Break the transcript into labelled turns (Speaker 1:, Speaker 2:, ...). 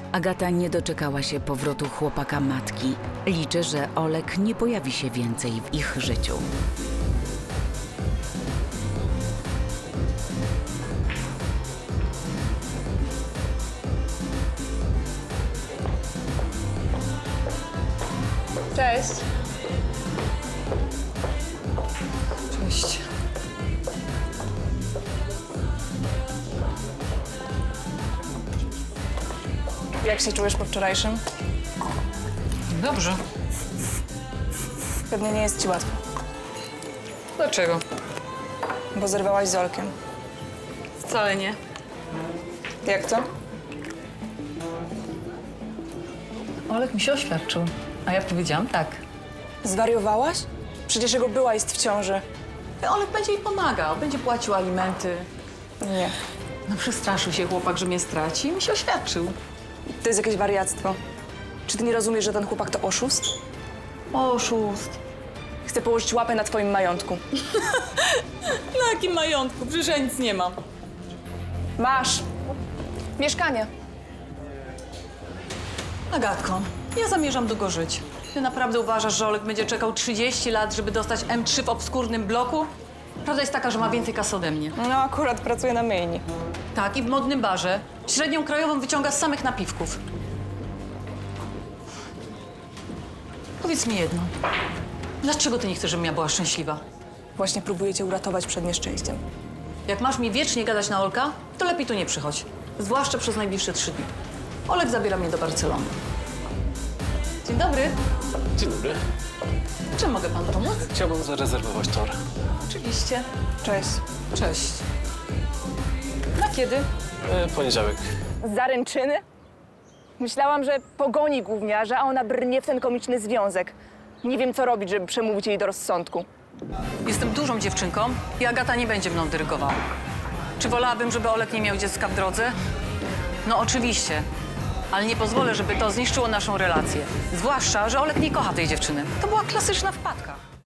Speaker 1: Agata nie doczekała się powrotu chłopaka matki. Liczy, że Olek nie pojawi się więcej w ich życiu.
Speaker 2: Cześć.
Speaker 3: Cześć.
Speaker 2: Jak się czujesz po wczorajszym?
Speaker 3: Dobrze.
Speaker 2: Pewnie nie jest ci łatwo,
Speaker 3: Dlaczego?
Speaker 2: bo zerwałaś z Olkiem.
Speaker 3: Wcale nie.
Speaker 2: Jak to?
Speaker 3: Olek mi się oświadczył, a ja powiedziałam tak.
Speaker 2: Zwariowałaś? Przecież jego była jest w ciąży.
Speaker 3: Olek będzie jej pomagał, będzie płacił alimenty.
Speaker 2: Nie.
Speaker 3: No przestraszył się chłopak, że mnie straci i mi się oświadczył.
Speaker 2: To jest jakieś wariactwo. Czy ty nie rozumiesz, że ten chłopak to oszust?
Speaker 3: Oszust.
Speaker 2: Chce położyć łapę na twoim majątku.
Speaker 3: Na jakim majątku? Przecież ja nic nie mam.
Speaker 2: Masz. Mieszkanie.
Speaker 3: Agatko, ja zamierzam długo żyć. Ty naprawdę uważasz, że Olek będzie czekał 30 lat, żeby dostać M3 w obskurnym bloku? Prawda jest taka, że ma więcej kasy ode mnie.
Speaker 2: No akurat pracuję na myjni.
Speaker 3: Tak, i w modnym barze. Średnią krajową wyciąga z samych napiwków. Powiedz mi jedno. Dlaczego ty nie chcesz, żebym ja była szczęśliwa?
Speaker 2: Właśnie próbuję cię uratować przed nieszczęściem.
Speaker 3: Jak masz mi wiecznie gadać na Olka, to lepiej tu nie przychodź. Zwłaszcza przez najbliższe 3 dni. Olek zabiera mnie do Barcelony. Dzień dobry.
Speaker 4: Dzień dobry.
Speaker 3: Czym mogę panu pomóc?
Speaker 4: Chciałbym zarezerwować tor.
Speaker 3: Oczywiście.
Speaker 2: Cześć.
Speaker 3: Cześć. Na kiedy?
Speaker 4: Poniedziałek.
Speaker 2: Zaręczyny? Myślałam, że pogoni gówniarza, a ona brnie w ten komiczny związek. Nie wiem, co robić, żeby przemówić jej do rozsądku.
Speaker 3: Jestem dużą dziewczynką i Agata nie będzie mną dyrygowała. Czy wolałabym, żeby Olek nie miał dziecka w drodze? No oczywiście. Ale nie pozwolę, żeby to zniszczyło naszą relację. Zwłaszcza, że Olek nie kocha tej dziewczyny. To była klasyczna wpadka.